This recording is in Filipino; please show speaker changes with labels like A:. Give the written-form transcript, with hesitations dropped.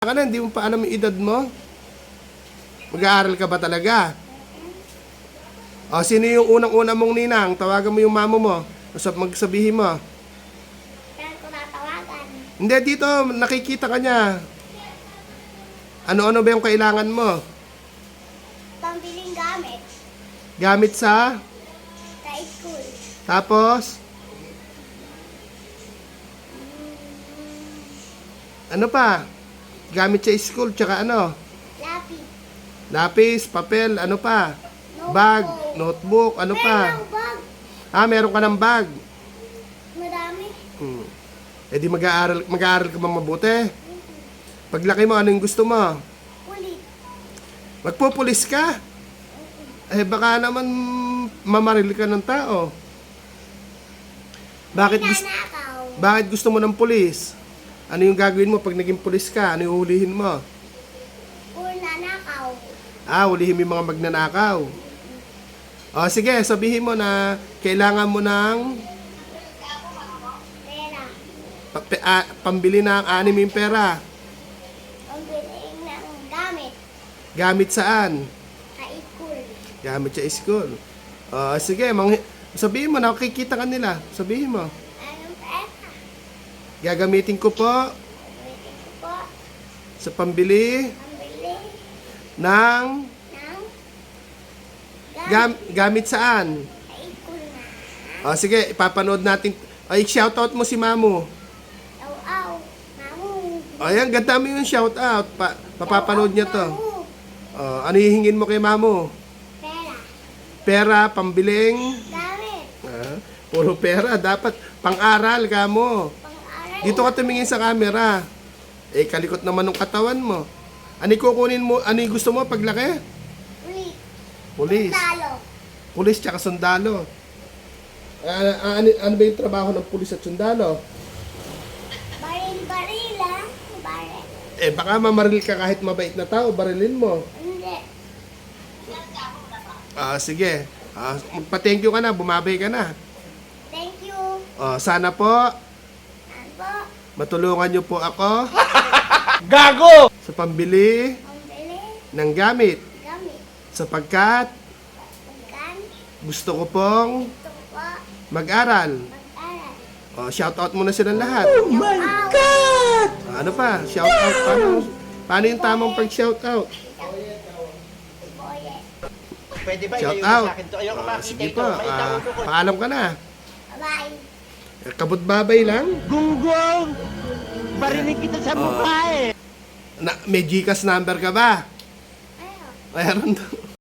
A: Ka na, hindi mo pa alam yung edad mo? Mag-aaral ka ba talaga? O, sino yung unang-una mong ninang? Tawagan mo yung mamo mo. Magsabihin mo.
B: Saan ko natawagan?
A: Hindi, dito, nakikita ka niya. Ano-ano ba yung kailangan mo?
B: Pambiling gamit.
A: Gamit sa?
B: Sa school.
A: Tapos? Ano pa? Gamit sa school, tsaka ano?
B: Lapis.
A: Lapis, papel, ano pa? Bag, notebook, ano pa?
B: Meron bag.
A: Ah, meron ka ng bag.
B: Madami.
A: Eh di mag-aaral ka ba mabuti? Paglaki mo, ano yung gusto mo?
B: Kulit.
A: Magpupulis ka? Eh baka naman mamaril ka ng tao.
B: Nanakaw.
A: Bakit gusto mo ng pulis? Ano yung gagawin mo pag naging pulis ka? Ano yung hulihin mo?
B: Puro nanakaw.
A: Ah, hulihin mo yung mga magnanakaw. O sige, sabihin mo na kailangan mo ng
B: Pera.
A: pambili ng anim yung pera.
B: Pambiling ng gamit.
A: Gamit saan?
B: Sa school.
A: Gamit sa school. O sige, sabihin mo, nakikita ka nila. Sabihin mo.
B: Anong pera?
A: Gagamitin ko po
B: Gamitin ko po.
A: sa pambili
B: Pambili
A: ng
B: ng gamit.
A: gamit saan?
B: Sa school na.
A: O sige, ipapanood natin. Ay, shoutout mo si Mamu.
B: Aw-aw. Mamu.
A: O yan, ganda mo yung shoutout. Papapanood niya to.
B: Mamu.
A: O, ano hihingin mo kay Mamu?
B: Pera.
A: Pera, pambiling.
B: Gamit.
A: Puro pera. Dapat pang-aral ka mo.
B: Pang-aral.
A: Dito ka tumingin sa camera. Eh, kalikot naman ng katawan mo. Ano kukunin mo? Ano yung gusto mo paglaki?
B: Ulit.
A: Pulis.
B: Talo.
A: Pulis tsaka sundalo. Ano ba yung trabaho ng pulis at sundalo?
B: Baril-barila. Baril.
A: Eh, baka mamaril ka kahit mabait na tao. Barilin mo.
B: Hindi.
A: Sige. Magpa-thank you ka na. Bumabay ka na.
B: Thank you.
A: Sana po,
B: Ano po?
A: matulungan niyo po ako
C: Gago!
A: sa pambili
B: Pambili.
A: ng gamit.
B: Gamit.
A: Sapagkat
B: Pagkan.
A: gusto ko pong
B: Gusto ko po.
A: mag-aral.
B: Mag-aral.
A: Shoutout muna silang lahat.
B: My God!
A: Ano pa? Shoutout. Paano yung tamang pag-shoutout?
B: Boye.
C: Pwede ba
A: Shout
C: ilayo
A: out.
C: sa akin to? Ayoko makita
A: Sige
C: ito.
A: po.
C: May tawag ko.
A: Paalam ka na.
B: Bye.
A: Kabut-babay lang.
C: Gunggong! Barinig kita sa mukha eh!
A: May GCash number ka ba?
B: Ayun.
A: Mayroon daw.